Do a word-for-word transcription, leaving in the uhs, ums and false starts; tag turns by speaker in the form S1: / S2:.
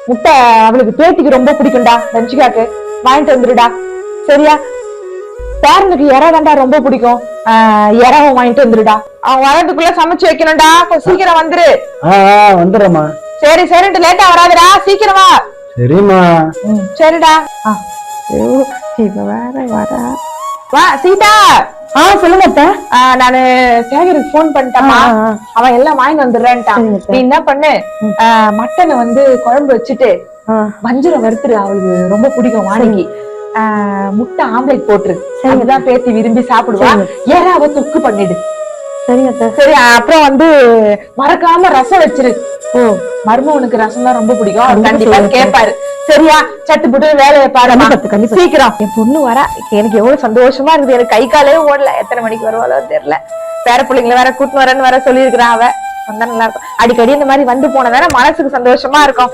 S1: முட்டை அவளுக்கு பேத்திக்கு ரொம்ப பிடிக்கும்டா, லஞ்சுக்காக்கு வாங்கிட்டு வந்துருடா. சரியா? பேரனுக்கு இறா தாண்டா ரொம்ப பிடிக்கும், இறாவும் வாங்கிட்டு வந்துருடா. அவன் வரதுக்குள்ள சமைச்சு வைக்கணும்டா, கொஞ்சம் சீக்கிரம் வந்துரு.
S2: வந்துடுறேம்மா.
S1: சரி சரிட்டு லேட்டா வராதுடா, சீக்கிரமா.
S2: சரிம்மா.
S1: சரிடா. இப்ப வேற வரா. வா சீதா.
S3: ஆ சொல்லுங்க அத்தை.
S1: நானு சேகருக்கு போன் பண்ணிட்டேமா, அவன் எல்லாம் வாங்கி வந்துடுறேன்ட்டான். நீ என்ன பண்ணு, மட்டனை வந்து குழம்பு வச்சுட்டு வஞ்சரம் வறுத்துரு, அவளுக்கு ரொம்ப பிடிக்கும் வாணிக்கு. முட்டை ஆம்லேட் போட்டுரு, அதுதான் பேத்தி விரும்பி சாப்பிடுவா. ஏறாவ தொக்கு பண்ணிடு.
S3: சரிங்க
S1: சரி. அப்புறம் வந்து மறக்காம ரசம் வச்சிரு. ஓ, மருமவனுக்கு ரசம் தான் ரொம்ப பிடிக்கும், கண்டிப்பா கேட்பாரு. சரியா? சட்டு புட்டு வேலையை பாரு, சீக்கிரம். என் பொண்ணு வரா, எனக்கு எவ்வளவு சந்தோஷமா இருக்குது. எனக்கு கை காலே ஓடல, எத்தனை மணிக்கு வருவாளோ தெரியல. பேர பிள்ளைங்களை வேற கூட்டு வரேன்னு வேற சொல்லியிருக்கிறான். அவ வந்தா நல்லா இருக்கும். அடிக்கடி இந்த மாதிரி வந்து போனதான மனசுக்கு சந்தோஷமா இருக்கும்.